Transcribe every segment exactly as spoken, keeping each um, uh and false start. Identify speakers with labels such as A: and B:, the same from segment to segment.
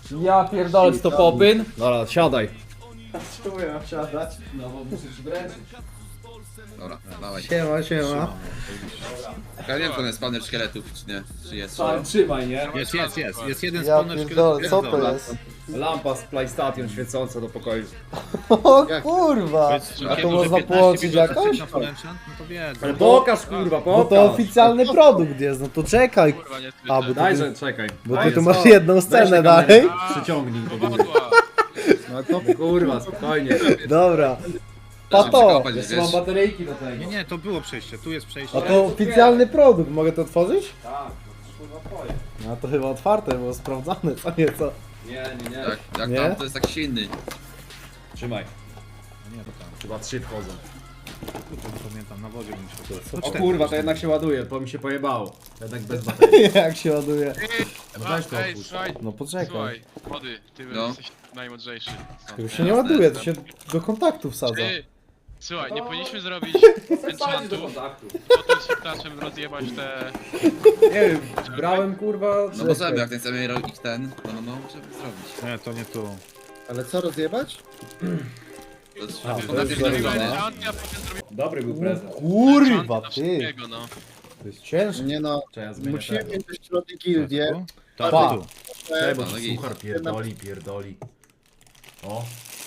A: Ja pierdolę, to popyn. Dobra, siadaj.
B: Czemu ja mam siadać?
A: No bo musisz wręczyć.
C: Dobra, dawaj.
B: Siema, siema.
C: Ja nie wiem, czy on jest spawner szkieletów, czy nie. Czy jest?
A: Sam trzymaj, nie?
D: Jest, jest, jest. Jest jeden
B: Ja
D: spawner
B: pierdolę, co to
D: szkieletów.
B: jest?
A: Lampa z PlayStation świecąca do pokoju.
B: O kurwa! A to można połączyć jakoś?
D: Na full enchant? No to wiedzą.
A: Ale pokaż kurwa,
B: Bo
A: pokaż.
B: to oficjalny produkt jest, no to czekaj.
E: Kurwa, nie
B: A, bo ty,
A: Dajże, czekaj.
B: bo ty
A: Dajże,
B: tu
A: co?
B: masz jedną scenę dalej.
A: Przyciągnij do góry.
E: Powadła.
B: No to
A: Kurwa, spokojnie.
B: dobra.
C: Trzeba
B: Pato!
C: przekopać,
A: Jeszcze
C: wiesz.
A: mam bateryjki do tego.
D: Nie, nie, to było przejście, tu jest przejście.
B: A to oficjalny produkt, mogę to otworzyć?
A: Tak, to kurwa twoje.
B: No to chyba otwarte, bo sprawdzane, co nieco.
A: Nie, nie, nie.
C: Jak, jak
B: Nie?
C: tam, to jest tak silny.
A: Trzymaj.
D: Nie, to tam.
A: Chyba trzy wchodzą.
D: Kurczę, nie pamiętam, na wodzie bym się
A: O kurwa, to jednak się ładuje, bo mi się pojebało. Jednak bez baterii.
B: Jak się ładuje.
A: No weź to
E: Ej,
A: otwórz.
E: słuchaj,
B: No poczekaj.
E: słuchaj, młody, ty
C: No.
E: jesteś najmądrzejszy. stąd.
B: To się nie ładuje, to się do kontaktu wsadza.
E: Ty, słuchaj, nie powinniśmy zrobić
A: Wsadzi do
E: enchantu,
A: kontaktu.
E: potem świetlaczem rozjebać te...
A: Nie wiem, brałem kurwa...
C: No możemy, jak ten chcemy robić ten, no no no, możemy zrobić.
D: Nie, to nie tu.
B: Ale co rozjebać?
C: To jest,
B: A,
C: to
B: to jest
C: jest
B: zrobione.
C: zrobione.
E: Enchanty, a potem zrobimy
A: Dobry był prezent.
B: Kurwa,
E: enchanty na
B: ty!
E: wszystkiego, no.
B: To jest ciężkie.
F: Nie no,
A: Trzeba zmienić
F: musimy
A: tego.
F: mieć też środki gildię.
D: Tak,
B: Pa.
D: tu.
A: Czekaj, bo
C: No, no i-
A: suchar pierdoli, pierdoli. O.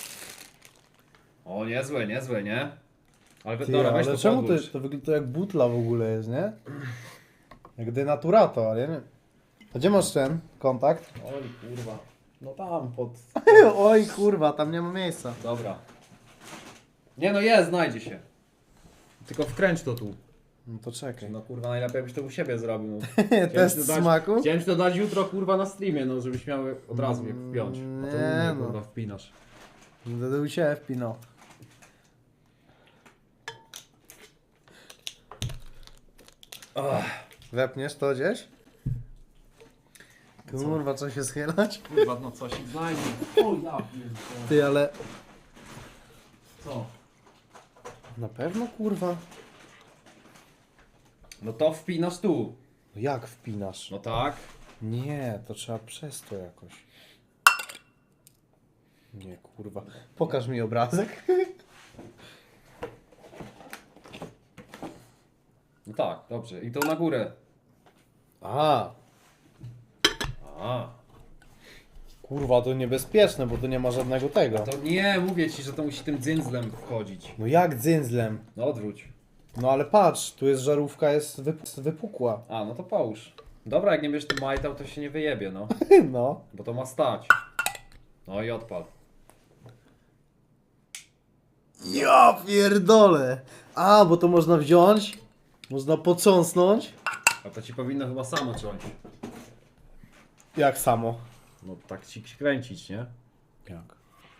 A: O, niezłe, niezłe, nie? Ale
B: Ty,
A: dobra, weź
B: ale
A: to
B: czemu to,
A: podłóż.
B: to wygląda to jak butla w ogóle jest, nie? Jak denaturato, ale nie. A gdzie masz ten kontakt?
A: Oj, kurwa. No tam, pod...
B: Oj kurwa, tam nie ma miejsca.
A: Dobra. Nie no jest, znajdzie się. Tylko wkręć to tu.
B: No to czekaj.
A: No kurwa, najlepiej jakbyś to u siebie zrobił. No. Chciałem ci
B: Test
A: to dać-
B: smaku?
A: Chciałem ci to dać jutro kurwa na streamie, no żebyś miał od razu je wpiąć. A to
B: Nie,
A: nie,
B: no.
A: kurwa wpinasz.
B: Będę u ciebie wpinał. Wepniesz to gdzieś? Kurwa, co się schylać?
A: Kurwa, no coś znajdzie. O ja pierdolę.
B: Ty, ale...
A: Co?
B: Na pewno kurwa?
A: No to wpinasz tu.
B: No jak wpinasz?
A: No tak.
B: Nie, to trzeba przez to jakoś. Nie, kurwa. Pokaż mi obrazek.
A: No tak, dobrze. I to na górę.
B: A,
A: A.
B: kurwa, to niebezpieczne, bo tu nie ma żadnego tego.
A: To nie, mówię ci, że to musi tym dzyndzlem wchodzić.
B: No jak dzyndzlem?
A: No odwróć.
B: No ale patrz, tu jest żarówka, jest wyp- wypukła.
A: A, no to połóż. Dobra, jak nie wiesz tu majtał, to się nie wyjebie, no.
B: No.
A: Bo to ma stać. No i odpal.
B: Ja pierdolę. A, bo to można wziąć, można potrząsnąć.
A: A to ci powinno chyba samo ciąć.
B: Jak samo?
A: No tak ci kręcić, nie?
B: Jak?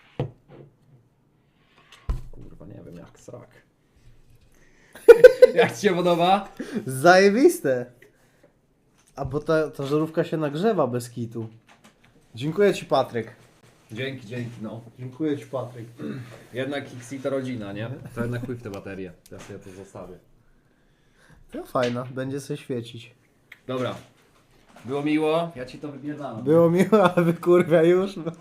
A: Kurwa, nie wiem, jak srak. Jak ci się podoba?
B: Zajebiste. A bo ta, ta żarówka się nagrzewa bez kitu. Dziękuję ci, Patryk.
A: Dzięki, dzięki, no.
B: Dziękuję ci, Patryk.
A: Jednak X I to rodzina, nie? To jednak chuj w te baterie. Ja sobie to zostawię.
B: To fajna, będzie się świecić.
A: Dobra. Było miło. Ja ci to wybierdam.
B: Było miło, ale wy kurwa już. No.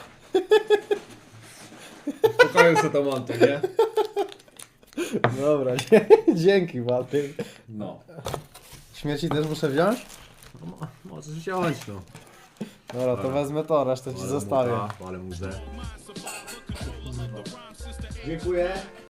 A: W pokoju sobie to montuj, nie?
B: Dobra, dzięki, Patryk.
A: No.
B: Śmieci też muszę wziąć?
A: Możesz wziąć, no.
B: Dobra, to wezmę to, resztę ci zostawię.
A: Ale muze.
B: Dziękuję.